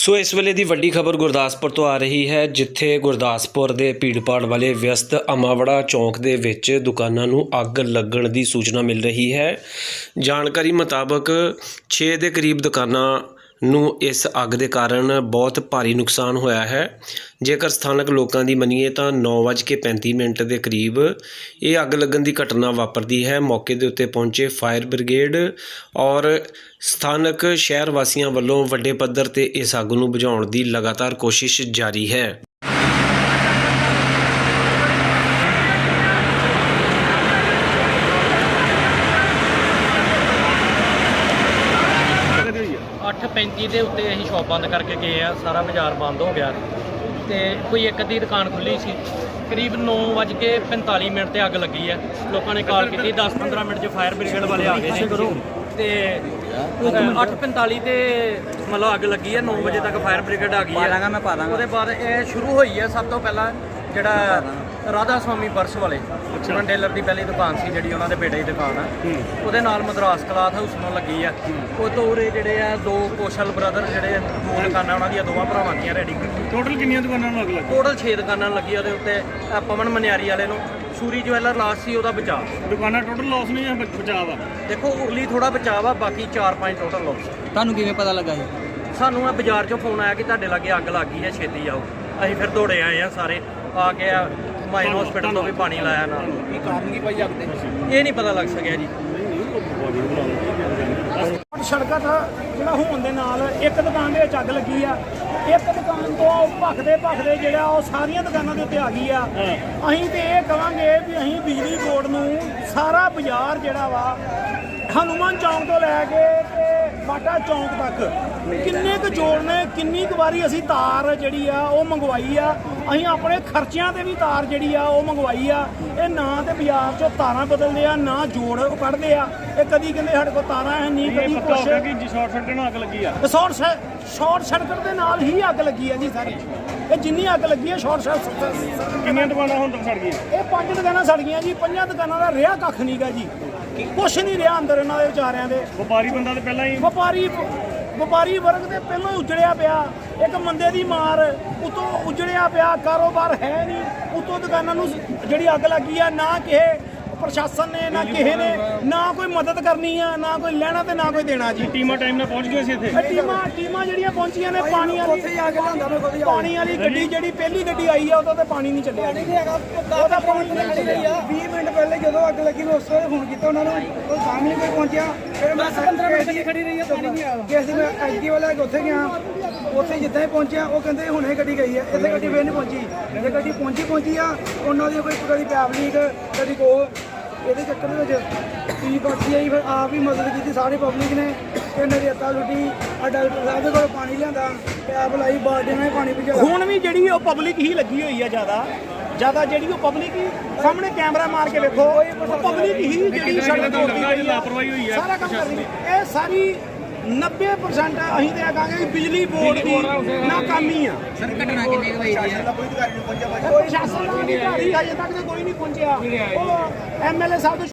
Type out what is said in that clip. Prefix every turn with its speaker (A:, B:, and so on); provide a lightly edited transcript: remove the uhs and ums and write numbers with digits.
A: ਸੋ ਇਸ ਵੇਲੇ ਦੀ ਵੱਡੀ ਖਬਰ ਗੁਰਦਾਸਪੁਰ ਤੋਂ ਆ ਰਹੀ ਹੈ, ਜਿੱਥੇ ਗੁਰਦਾਸਪੁਰ ਦੇ ਭੀੜਭਾੜ ਵਾਲੇ ਵਿਅਸਤ ਅਮਾਵੜਾ ਚੌਂਕ ਦੇ ਵਿੱਚ ਦੁਕਾਨਾਂ ਨੂੰ ਅੱਗ ਲੱਗਣ ਦੀ ਸੂਚਨਾ ਮਿਲ ਰਹੀ ਹੈ। ਜਾਣਕਾਰੀ ਮੁਤਾਬਕ 6 ਦੇ ਕਰੀਬ ਦੁਕਾਨਾਂ ਨੂੰ ਇਸ ਅੱਗ ਦੇ ਕਾਰਨ ਬਹੁਤ ਭਾਰੀ ਨੁਕਸਾਨ ਹੋਇਆ ਹੈ। ਜੇਕਰ ਸਥਾਨਕ ਲੋਕਾਂ ਦੀ ਮੰਨੀਏ ਤਾਂ 9:35 ਦੇ ਕਰੀਬ ਇਹ ਅੱਗ ਲੱਗਣ ਦੀ ਘਟਨਾ ਵਾਪਰਦੀ ਹੈ। ਮੌਕੇ ਦੇ ਉੱਤੇ ਪਹੁੰਚੇ ਫਾਇਰ ਬ੍ਰਿਗੇਡ ਔਰ ਸਥਾਨਕ ਸ਼ਹਿਰ ਵਾਸੀਆਂ ਵੱਲੋਂ ਵੱਡੇ ਪੱਧਰ ਤੇ ਇਸ ਅੱਗ ਨੂੰ ਬੁਝਾਉਣ ਦੀ ਲਗਾਤਾਰ ਕੋਸ਼ਿਸ਼ ਜਾਰੀ ਹੈ।
B: ਅੱਠ 35 ਦੇ ਉੱਤੇ ਅਸੀਂ ਸ਼ੌਪ ਬੰਦ ਕਰਕੇ ਗਏ ਆ। ਸਾਰਾ ਬਾਜ਼ਾਰ ਬੰਦ ਹੋ ਗਿਆ ਤੇ ਕੋਈ ਇੱਕ ਅੱਧੀ ਦੁਕਾਨ ਖੁੱਲੀ ਸੀ। ਕਰੀਬ 9:45 ਤੇ ਅੱਗ ਲੱਗੀ ਹੈ। ਲੋਕਾਂ ਨੇ ਕਾਲ ਕੀਤੀ, 10-15 ਮਿੰਟ 'ਚ ਫਾਇਰ ਬ੍ਰਿਗੇਡ ਵਾਲੇ ਆ ਗਏ ਨੇ ਤੇ 8:45 ਤੇ ਮਤਲਬ ਅੱਗ ਲੱਗੀ ਹੈ। 9 ਵਜੇ ਤੱਕ ਫਾਇਰ ਬ੍ਰਿਗੇਡ ਆ ਗਈ ਹੈ। ਉਹਦੇ ਬਾਅਦ ਇਹ ਸ਼ੁਰੂ ਹੋਈ ਹੈ। ਸਭ ਤੋਂ ਪਹਿਲਾਂ ਜਿਹੜਾ ਰਾਧਾ ਸਵਾਮੀ ਪਰਸ ਵਾਲੇ ਚਿਕਨ ਟੇਲਰ ਦੀ ਪਹਿਲੀ ਦੁਕਾਨ ਸੀ, ਜਿਹੜੀ ਉਹਨਾਂ ਦੇ ਬੇਟੇ ਦੀ ਦੁਕਾਨ ਆ, ਉਹਦੇ ਨਾਲ ਮਦਰਾਸ ਕਲਾਥ ਹਾਊਸ ਨੂੰ ਲੱਗੀ ਆ। ਉਹ ਤੋਂ ਉਰੇ ਜਿਹੜੇ ਆ ਦੋ ਕੋਸ਼ਲ ਬ੍ਰਦਰ, ਜਿਹੜੇ ਦੋ ਦੁਕਾਨਾਂ ਉਹਨਾਂ ਦੀਆਂ ਦੋਵਾਂ ਭਰਾਵਾਂ ਦੀਆਂ ਰੈਡੀ।
C: ਟੋਟਲ ਕਿੰਨੀਆਂ ਦੁਕਾਨਾਂ ਨੂੰ ਅੱਗ ਲੱਗੀ?
B: ਟੋਟਲ 6 ਦੁਕਾਨਾਂ ਲੱਗੀ। ਉਹਦੇ ਉੱਤੇ ਪਵਨ ਮਨਿਆਰੀ ਵਾਲੇ ਨੂੰ ਸੂਰੀ ਜਵੈਲਰ ਲਾਸ ਸੀ, ਉਹਦਾ ਬਚਾਅ।
C: ਦੁਕਾਨਾਂ ਟੋਟਲ ਲਾਸ ਨਹੀਂ ਜਾਂ ਬਚਾਅ ਵਾ?
B: ਦੇਖੋ ਉਰਲੀ ਥੋੜਾ ਬਚਾਅ ਆ, ਬਾਕੀ 4-5 ਟੋਟਲ ਲਾਸ।
D: ਤੁਹਾਨੂੰ ਕਿਵੇਂ ਪਤਾ ਲੱਗਾ ਜੀ?
B: ਸਾਨੂੰ ਇਹ ਬਾਜ਼ਾਰ 'ਚੋਂ ਫੋਨ ਆਇਆ ਕਿ ਤੁਹਾਡੇ ਲਾਗੇ ਅੱਗ ਲੱਗ ਗਈ ਹੈ, ਛੇਤੀ ਆਓ। ਅਸੀਂ ਫਿਰ ਦੌੜੇ ਆਏ ਆ ਸਾਰੇ, ਆ ਕੇ ਮਾਈਨ ਹਸਪੀਟਲ ਤੋਂ ਵੀ ਪਾਣੀ ਲਾਇਆ ਨਾਲ।
D: ਕੀ ਕਾਰਨ ਕੀ ਭਾਈ ਅੱਗ ਦੇ?
B: ਇਹ ਨਹੀਂ ਪਤਾ ਲੱਗ ਸਕਿਆ ਜੀ।
E: ਸੜਕਾਂ ਦਾ ਜਿਹੜਾ ਹੋਣ ਦੇ ਨਾਲ ਇੱਕ ਦੁਕਾਨ ਦੇ ਵਿੱਚ ਅੱਗ ਲੱਗੀ ਆ। ਇੱਕ ਦੁਕਾਨ ਤੋਂ ਭਖਦੇ ਜਿਹੜਾ ਉਹ ਸਾਰੀਆਂ ਦੁਕਾਨਾਂ ਦੇ ਉੱਤੇ ਆ ਗਈ ਆ। ਅਸੀਂ ਤੇ ਇਹ ਕਹਾਂਗੇ ਵੀ ਅਸੀਂ ਬਿਜਲੀ ਬੋਰਡ ਨੂੰ ਸਾਰਾ ਬਾਜ਼ਾਰ ਜਿਹੜਾ ਵਾ ਹਨੂੰਮਾਨ ਚੌਂਕ ਤੋਂ ਲੈ ਕੇ ਤੇ ਬਾਟਾ ਚੌਂਕ ਤੱਕ ਕਿੰਨੇ ਕੁ ਜੋੜਨੇ, ਕਿੰਨੀ ਕੁ ਵਾਰੀ ਅਸੀਂ ਤਾਰ ਜਿਹੜੀ ਆ ਉਹ ਮੰਗਵਾਈ ਆ। ਅਸੀਂ ਆਪਣੇ ਖਰਚਿਆਂ ਤੇ ਵੀ ਤਾਰ ਜਿਹੜੀ ਆ ਉਹ ਮੰਗਵਾਈ ਆ। ਇਹ ਨਾ ਤੇ ਬਾਜ਼ਾਰ 'ਚੋਂ ਤਾਰਾਂ ਬਦਲਦੇ ਆ, ਨਾ ਜੋੜ ਉਹ ਕੱਢਦੇ ਆ। ਇਹ ਕਦੀ ਕਹਿੰਦੇ ਸਾਡੇ ਕੋਲ ਤਾਰਾਂ ਹੈ ਨਹੀਂ, ਕਦੀ
C: ਪਤਾ ਹੋ ਗਿਆ ਕਿ ਸ਼ਾਰਟ ਸਰਕਟ ਨਾਲ ਅੱਗ ਲੱਗੀ ਆ।
E: ਸ਼ਾਰਟ ਸਰਕਟ ਦੇ ਨਾਲ ਹੀ ਅੱਗ ਲੱਗੀ ਆ ਜੀ ਸਾਰੀ। ਇਹ ਜਿੰਨੀ ਅੱਗ ਲੱਗੀ ਹੈ ਸ਼ਾਰਟ ਸਰਕਟ।
C: ਕਿੰਨੀਆਂ ਦੁਕਾਨਾਂ ਹੁਣ ਤੱਕ ਸੜ ਗਈਆਂ?
E: ਇਹ 5 ਦੁਕਾਨਾਂ ਸੜ ਗਈਆਂ ਜੀ। 5 ਦੁਕਾਨਾਂ ਦਾ ਰਿਹਾ ਕੱਖ ਨਹੀਂ ਗਾ ਜੀ, ਕੁਛ ਨਹੀਂ ਰਿਹਾ ਅੰਦਰ ਇਹਨਾਂ ਦੇ ਵਿਚਾਰਿਆਂ ਦੇ।
C: ਵਪਾਰੀ ਬੰਦਾ ਤੇ ਪਹਿਲਾਂ ਹੀ
E: ਵਪਾਰੀ ਵਰਗ ਦੇ ਪਹਿਲਾਂ ਹੀ ਉਜੜਿਆ ਪਿਆ। ਇੱਕ ਮੰਦੇ ਦੀ ਮਾਰ ਉਤੋਂ ਉਜੜਿਆ ਪਿਆ, ਕਾਰੋਬਾਰ ਹੈ ਨਹੀਂ। ਉਤੋਂ ਦੁਕਾਨਾਂ ਨੂੰ ਜਿਹੜੀ ਅੱਗ ਲੱਗੀ ਆ, ਨਾ ਕਿਸੇ ਪ੍ਰਸ਼ਾਸਨ ਨੇ, ਨਾ ਕਿਸੇ ਨੇ, ਨਾ ਕੋਈ ਮਦਦ ਕਰਨੀ ਆ, ਨਾ ਕੋਈ ਲੈਣਾ ਤੇ ਨਾ ਕੋਈ ਦੇਣਾ ਜੀ।
C: ਟੀਮਾਂ ਟਾਈਮ ਨਾਲ ਪਹੁੰਚ ਗਏ ਸੀ ਇੱਥੇ।
E: ਟੀਮਾਂ ਜਿਹੜੀਆਂ ਪਹੁੰਚੀਆਂ ਨੇ, ਪਾਣੀ ਵਾਲੀ ਗੱਡੀ ਜਿਹੜੀ ਪਹਿਲੀ ਗੱਡੀ ਆਈ ਆ, ਉਹਦਾ ਤੇ ਪਾਣੀ ਨਹੀਂ ਚੱਲਿਆ। ਉਹਦਾ ਪਾਣੀ ਨਹੀਂ ਚੱਲਿਆ।
F: 20 ਮਿੰਟ ਪਹਿਲੇ ਜਦੋਂ ਅੱਗ ਲੱਗੀ ਮੈਂ ਉਸ ਵੇਲੇ ਫੋਨ ਕੀਤਾ ਉਹਨਾਂ ਨੂੰ, ਉਹ ਸਾਹਮਣੇ ਕੋਈ ਪਹੁੰਚਿਆ। ਫਿਰ ਮੈਂ 15 ਮਿੰਟ ਖੜੀ ਰਹੀ ਹੈ, ਪਾਣੀ ਨਹੀਂ ਆਇਆ। ਕਿਸ ਦਿਨ ਮੈਂ ਐਸਡੀ ਵਾਲਾ ਉੱਥੇ ਗਿਆ, ਉੱਥੇ ਜਿੱਦਾਂ ਹੀ ਪਹੁੰਚਿਆ ਉਹ ਕਹਿੰਦੇ ਹੁਣੇ ਗੱਡੀ ਗਈ ਹੈ। ਇੱਥੇ ਗੱਡੀ ਫੇਰ ਨਹੀਂ ਪਹੁੰਚੀ। ਜੇ ਗੱਡੀ ਪਹੁੰਚੀ ਆ, ਉਹਨਾਂ ਦੀ ਕੋਈ ਕਦੀ ਪੈਪ ਲੀਕ, ਕਦੀ ਕੋ ਇਹਦੇ ਚੱਕਰ ਦੇ ਵਿੱਚ ਟੀ ਬਾਕੀ ਆਈ। ਫਿਰ ਆਪ ਹੀ ਮਦਦ ਕੀਤੀ ਸਾਰੀ ਪਬਲਿਕ ਨੇ। ਇਹਨੇ ਰੇਤਾ ਲੁੱਟੀ, ਡਾਕਟਰ ਸਾਹਿਬ ਦੇ ਕੋਲ ਪਾਣੀ ਲਿਆਂਦਾ, ਪੈਪ ਲਾਈ, ਬਾਲਟੀਆਂ ਨਾਲ ਪਾਣੀ ਭਿਜਾ।
E: ਹੁਣ ਵੀ ਜਿਹੜੀ ਉਹ ਪਬਲਿਕ ਹੀ ਲੱਗੀ ਹੋਈ ਆ, ਜ਼ਿਆਦਾ ਜਿਹੜੀ ਉਹ ਪਬਲਿਕ ਹੀ ਸਾਹਮਣੇ ਕੈਮਰਾ ਮਾਰ ਕੇ ਵੇਖੋ, ਪਬਲਿਕ ਹੀ ਜਿਹੜੀ ਸੜਕ ਤੋੜਦੀ ਹੋਈ ਆ,
C: ਲਾਪਰਵਾਹੀ ਹੋਈ ਆ,
E: ਸਾਰਾ ਕੰਮ ਕਰਦੀ। ਇਹ ਸਾਰੀ 90% ਅਸੀਂ ਤੇ ਆਖਾਂਗੇ ਕਿ ਬਿਜਲੀ ਬੋਰਡ ਦੀ ਨਾਕਾਮੀ ਆ।
D: ਸਰ ਘਟਨਾ ਕਿੰਨੀ ਕੁ ਹੋਈ ਹੈ?
E: ਪ੍ਰਸ਼ਾਸਨ ਦਾ ਅਧਿਕਾਰੀ ਹਜੇ ਤੱਕ ਕੋਈ ਨਹੀਂ ਪਹੁੰਚਿਆ। ਉਹ ਐਮਐਲਏ ਸਾਹਿਬ ਤੋਂ